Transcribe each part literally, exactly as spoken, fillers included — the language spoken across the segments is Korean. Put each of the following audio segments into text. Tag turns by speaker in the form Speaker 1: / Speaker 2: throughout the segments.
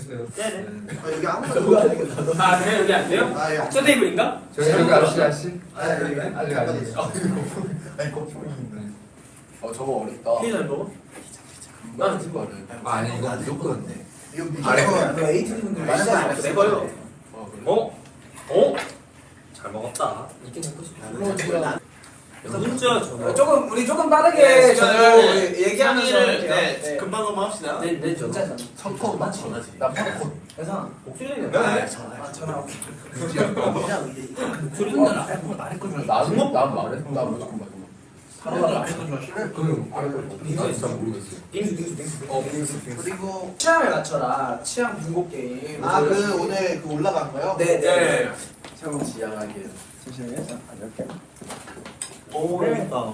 Speaker 1: 네네.
Speaker 2: 아 여기 아무도 안 되겠다.
Speaker 1: 아 그래 여기 안 돼요?
Speaker 2: 아 예.
Speaker 1: 저 테이블인가?
Speaker 3: 저기 여기 아저씨 아저씨.
Speaker 2: 아 여기
Speaker 3: 알려 알려.
Speaker 2: 아니 거품인데.
Speaker 4: 어 저거 어렵다.
Speaker 1: 피자 잘 먹어?
Speaker 4: 나는 친구는.
Speaker 3: 아니 이거 무조건.
Speaker 2: 이거
Speaker 4: 아래.
Speaker 2: 무조건
Speaker 5: 그 에이티디 분들
Speaker 2: 맞아,
Speaker 5: 진짜
Speaker 2: 맞아.
Speaker 1: 내 거요.
Speaker 4: 어 그래.
Speaker 1: 어? 어? 잘 먹었다.
Speaker 3: 이게 먹고 싶다.
Speaker 1: 진짜 저거.
Speaker 5: 조금 우리 조금 빠르게
Speaker 6: 네,
Speaker 5: 저녁
Speaker 6: 시간을,
Speaker 5: 우리 얘기하면서
Speaker 6: 상의를,
Speaker 5: 할게요.
Speaker 6: 네,
Speaker 5: 네.
Speaker 6: 금방 넘어갑시다.
Speaker 1: 네, 네, 저.
Speaker 5: 진짜
Speaker 4: 성코 맞지?
Speaker 6: 전화지.
Speaker 4: 나 파코.
Speaker 5: 그래서
Speaker 1: 목소리는
Speaker 6: 네.
Speaker 5: 아 전화 오케이.
Speaker 1: 목소리는 나.
Speaker 4: 나는 난 말해. 나 무조건 맞아.
Speaker 3: 그럼 이거 진짜 모르겠어요.
Speaker 1: 빙수 빙수 빙수.
Speaker 3: 어 빙수 빙수.
Speaker 2: 그리고
Speaker 5: 취향을 맞춰라. 취향 분곡 게임.
Speaker 2: 아 그 오늘 그 올라간 거요?
Speaker 5: 네, 네.
Speaker 6: 네.
Speaker 4: 참 지향하게.
Speaker 5: 잠시만요. 자, 이렇게.
Speaker 1: 오 맛있다.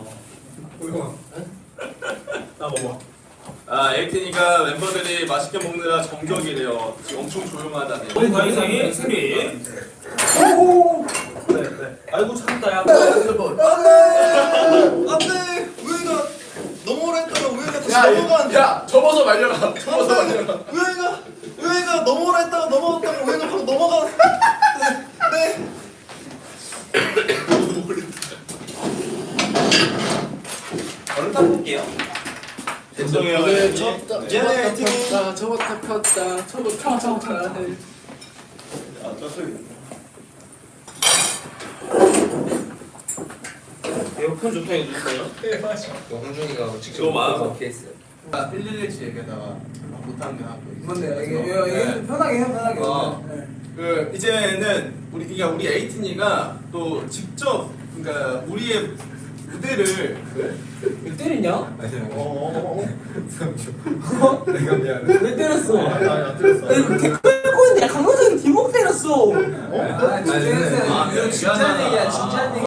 Speaker 1: 나 먹어.
Speaker 6: 아, 에이틴이가 멤버들이 맛있게 먹느라 정적이래요. 지금 엄청 조용하다네.
Speaker 1: 우리 다이상이 승리.
Speaker 5: 오!
Speaker 1: 네, 네. 아이고 참다 야.
Speaker 6: 안돼! 우영이가 너무 오래 했다가 우영이가 다시 넘어가는데.
Speaker 4: 야 접어서 말려라. 접어서 말려라.
Speaker 6: 우영이가 우영이가 너무 오래 했다가 넘어갔다가 우영이가 바로 넘어가. 네. 얼른 타볼게요. 죄송해요.
Speaker 4: 오늘
Speaker 6: 에이틴이.
Speaker 4: 접다
Speaker 6: 미안해, 에이틴이.
Speaker 4: 접었다 접었다 폈다 접었다 접었다.
Speaker 6: 아, 저 소리.
Speaker 1: 에어컨 좋다 이거 누구예요?
Speaker 3: 홍준이가 직접
Speaker 6: 너무 많아서.
Speaker 3: 먹게 했어요.
Speaker 4: 나 일일일치 얘기하다가 못한 게 하고.
Speaker 5: 뭔데? 이게 이거 이게 편하게 해 편하게.
Speaker 6: 어.
Speaker 5: 네.
Speaker 6: 그 이제는 우리 그러니까 우리 에이틴이가 또 직접 그러니까 우리의 무대를
Speaker 5: 왜 때리냐?
Speaker 6: 어,
Speaker 3: 내가 미안해.
Speaker 5: 왜 때렸어?
Speaker 6: 아니 안 들었어.
Speaker 5: 개 끌고 있는데 강호정이 뒷목 때렸어.
Speaker 6: 어?
Speaker 5: 아, 진짜
Speaker 3: 아니,
Speaker 5: 진짜
Speaker 6: 미안하다.
Speaker 5: 얘기야 진짜 얘기.